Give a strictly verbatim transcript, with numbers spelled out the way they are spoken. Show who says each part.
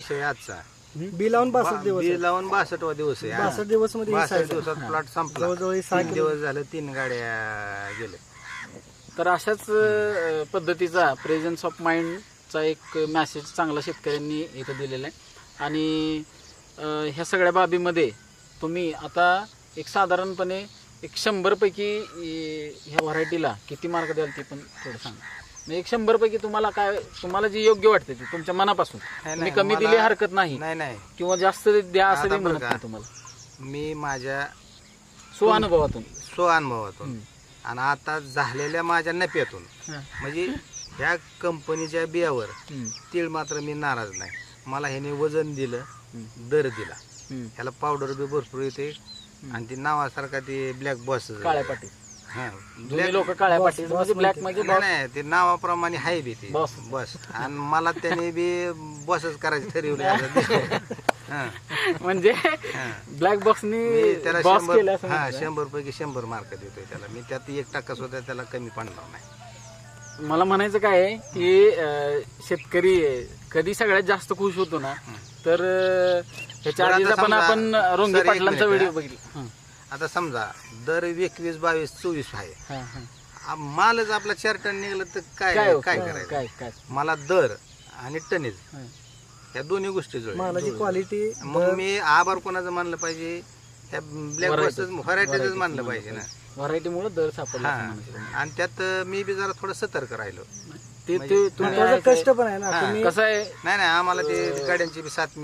Speaker 1: विषय आजचा
Speaker 2: बी लावून बासष्ट दिवस
Speaker 1: बी लावून बासष्टवा दिवस आहे
Speaker 2: बासष्ट दिवस मध्ये ही
Speaker 1: बासष्ट
Speaker 2: size आहे.
Speaker 1: दिवसात प्लॉट संपला
Speaker 2: जवळजवळ हे सहा
Speaker 1: तीन
Speaker 2: किलो
Speaker 1: दिवस झाले तीन गाड्या गेले.
Speaker 3: तर अशाच अं, पद्धतीचा प्रेझन्स ऑफ माइंडचा एक मॅसेज चांगला शेतकऱ्यांनी इथं दिलेला आहे. आणि अं, ह्या सगळ्या बाबीमध्ये तुम्ही आता एक साधारणपणे एक शंभरपैकी अं, ह्या व्हरायटीला किती मार्क द्याल ते पण थोडं सांगा. म्हणजे एक शंभरपैकी तुम्हाला काय तुम्हाला जी योग्य वाटते ते तुमच्या मनापासून तुम्ही
Speaker 1: नाही,
Speaker 3: कमी
Speaker 1: मला-
Speaker 3: दिली हरकत नाही
Speaker 1: नाही नाही
Speaker 3: किंवा जास्त द्या असं
Speaker 1: आता
Speaker 3: मी
Speaker 1: बरं
Speaker 3: म्हणत
Speaker 1: का?
Speaker 3: नाही तुम्हाला.
Speaker 1: मी माझ्या
Speaker 3: स्वानुभवातून
Speaker 1: स्वअनुभवातून
Speaker 3: हम्म.
Speaker 1: आणि आता झालेल्या माझ्या नफ्यातून
Speaker 3: हा.
Speaker 1: म्हणजे ह्या कंपनीच्या बियावर
Speaker 3: हम्म.
Speaker 1: तीळ मात्र मी नाराज नाही. मला ह्याने वजन दिलं,
Speaker 3: हम्म.
Speaker 1: दर दिला,
Speaker 3: हम्म.
Speaker 1: ह्याला पावडर बी भरपूर येते आणि ती नावासारखा ते ब्लॅक बॉस
Speaker 3: काळ्या पाटी
Speaker 1: हा
Speaker 3: जुनी लोक काळ्या
Speaker 2: boss-
Speaker 3: पाटी
Speaker 2: boss
Speaker 3: म्हणजे ब्लॅक
Speaker 2: म्हणते.
Speaker 3: म्हणजे
Speaker 1: नाही नाही, ते नावाप्रमाणे आहे बी ते
Speaker 3: Boss.
Speaker 1: बस आणि मला त्याने बी बसच करायचं ठरवलं आता. हा,
Speaker 3: म्हणजे
Speaker 1: हा.
Speaker 3: ब्लॅक बॉक्सनी
Speaker 1: मी त्याला
Speaker 3: बॉस केलं
Speaker 1: शंभर
Speaker 3: असं
Speaker 1: हा
Speaker 3: म्हटलं.
Speaker 1: शंभर पैकी शंभर मार्क देतोय त्याला मी. त्यात एक टक्का सुद्धा त्याला कमी पडणार नाही.
Speaker 3: मला म्हणायचं काय आहे की अं, शेतकरी कधी सगळ्यात जास्त खुश होतो ना तर अं, ह्याच्या
Speaker 1: बरं, आता
Speaker 3: आधीचा पण
Speaker 1: समजा-
Speaker 3: आपण रोंगे
Speaker 1: सर, एक
Speaker 3: पाटलांचा
Speaker 1: मिनिट,
Speaker 3: व्हिडिओ
Speaker 1: हा.
Speaker 3: बघितला. हं,
Speaker 1: आता समजा दर एकवीस बावीस चोवीस आहे,
Speaker 3: हं, हं.
Speaker 1: आ- मालच आपला चार टन निघलं तर काय
Speaker 3: काय हो,
Speaker 1: काय
Speaker 3: काय
Speaker 1: करायचं.
Speaker 3: काय काय
Speaker 1: मला दर आणि टनेज
Speaker 3: हं.
Speaker 1: ह्या दोन्ही गोष्टी जुळल्या.
Speaker 2: मालाची क्वालिटी
Speaker 1: मग मी आभार कोणाचं मानलं पाहिजे, त्या ब्लॅक
Speaker 3: Variety.
Speaker 1: बॉसच व्हरायटीच
Speaker 3: Variety
Speaker 1: मानलं
Speaker 3: चं
Speaker 1: पाहिजे ना.
Speaker 3: व्हरायटीमुळे दर सापडला असं
Speaker 1: हा
Speaker 3: म्हणायचं.
Speaker 1: आणि त्यात मी बी जरा थोडं सतर्क राहिलो.
Speaker 3: ते
Speaker 1: म्हणजे-
Speaker 3: ते तुम्ही
Speaker 2: त्याचा
Speaker 3: आहे काय-
Speaker 2: कष्ट पण आहे ना
Speaker 1: हा.
Speaker 2: तुम्ही
Speaker 3: कसं आहे
Speaker 1: नाही नाही आम्हाला ते गाड्यांची बी साथ